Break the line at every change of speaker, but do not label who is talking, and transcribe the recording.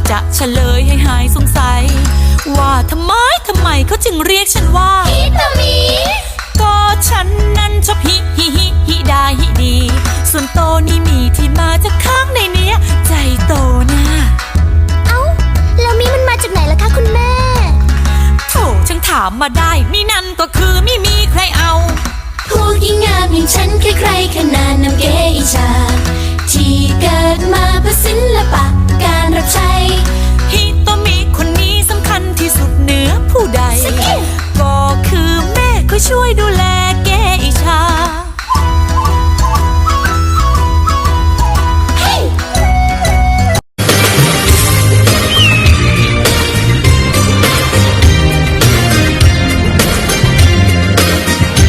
จะเฉลยให้หายสงสัยว่าทำไมเขาจึงเรียกฉันว่าฮิตามิก็ฉันนั้นชอบฮิดาฮิดีส่วนโตนี่มีที่มาจากข้างในเนี้ยใจโตนะ
เอ้าแล้วมีมันมาจากไหนล่ะคะคุณแม่
โถช่างถามมาได้นี่นั่นก็คือไม่มีใครเอา
พวกยิ่งงามอย่างฉันใครๆขนานนำเกอิชาที่เกิดมาเพื่อศิลปะการรับใช้